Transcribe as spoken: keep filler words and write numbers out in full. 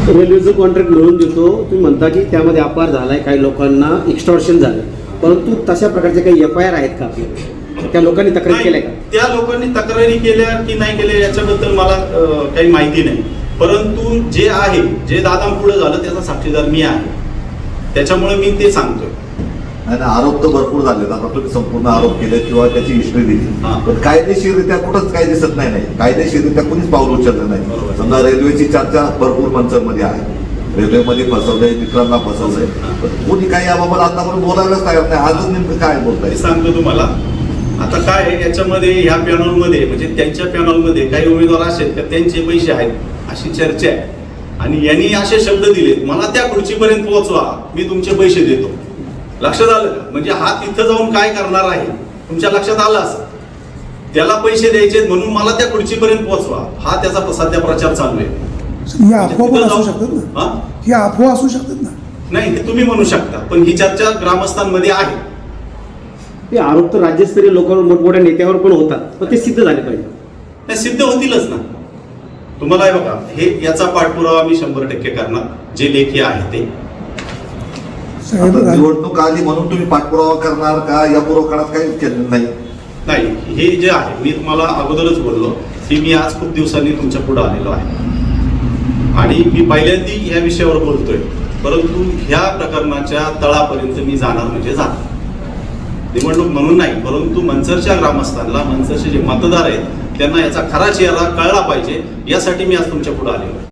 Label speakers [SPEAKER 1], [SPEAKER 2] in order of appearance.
[SPEAKER 1] रेल्वेचं कॉन्ट्रॅक्ट मिळवून देतो, तुम्ही म्हणता की त्यामध्ये अपहार झालाय, काही लोकांना एक्स्टॉर्शन झालं, परंतु तशा प्रकारचे काही एफ आय आर आहेत का आपल्या? त्या लोकांनी तक्रार केल्या का?
[SPEAKER 2] त्या लोकांनी तक्रारी केल्या की नाही केल्या याच्याबद्दल मला अं, काही माहिती नाही, परंतु जे आहे, जे दादा पुढे झालं त्याचा साक्षीदार मी आहे, त्याच्यामुळे मी ते सांगतोय.
[SPEAKER 3] आणि आरोप तर भरपूर झाले, आता तुम्ही संपूर्ण आरोप केले किंवा त्याची हिस्ट्री दिली, पण कायदेशीररित्या कुठंच काही दिसत नाही नाही कायदेशीररित्या कुणीच पाऊल उचललं नाही. समजा रेल्वेची चर्चा भरपूर मंचांमध्ये आहे, रेल्वेमध्ये फसवलंय, मित्रांना फसवलंय, पण कोणी काही याबाबत आतापर्यंत बोलायलाच तयार नाही. आजच नेमकं काय बोलताय
[SPEAKER 2] सांगतो तुम्हाला. आता काय याच्यामध्ये ह्या पॅनलमध्ये म्हणजे त्यांच्या पॅनलमध्ये काही उमेदवार असेल तर त्यांचे पैसे आहेत अशी चर्चा आहे, आणि यांनी असे शब्द दिले, मला त्या खुर्चीपर्यंत पोहोचवा, मी तुमचे पैसे देतो. लक्षात आलं का? म्हणजे हा तिथं जाऊन काय करणार आहे तुमच्या लक्षात आलं असं. त्याला पैसे द्यायचे म्हणून मला त्या खुर्चीपर्यंत पोहोचवा, हा त्याचा सध्या प्रचार चालू आहे.
[SPEAKER 4] या अफवा पण असू शकतात ना, ही अफवा असू शकतात ना.
[SPEAKER 2] नाही, हे तुम्ही म्हणू शकता, पण ही चर्चा ग्रामस्थांमध्ये आहे.
[SPEAKER 1] ते आरोप तर राज्यस्तरीय लोकांवर, मोठमोठ्या नेत्यावर पण होतात, पण ते सिद्ध झाले पाहिजे.
[SPEAKER 2] नाही, सिद्ध होतीलच ना. तुम्हाला हे बघा, हे याचा पाठपुरावा मी शंभर टक्के करणार, जे लेखी आहे ते.
[SPEAKER 3] निवडणूक आली म्हणून तुम्ही पाठपुरावा करणार का? या पूर्व काळात काही केलं नाही?
[SPEAKER 2] नाही, हे जे आहे मी तुम्हाला अगोदरच बोललो की मी आज खूप दिवसांनी तुमच्या पुढे आलेलो आहे, आणि मी पहिल्यांदा या विषयावर बोलतोय, परंतु ह्या प्रकरणाच्या तळापर्यंत मी जाणार म्हणजे जाणार. निवडणूक म्हणून नाही, परंतु मनसरच्या ग्रामस्थांना, मनसरचे जे मतदार आहेत त्यांना याचा खरा चेहरा कळला पाहिजे, यासाठी मी आज तुमच्या पुढे आलेलो आहे.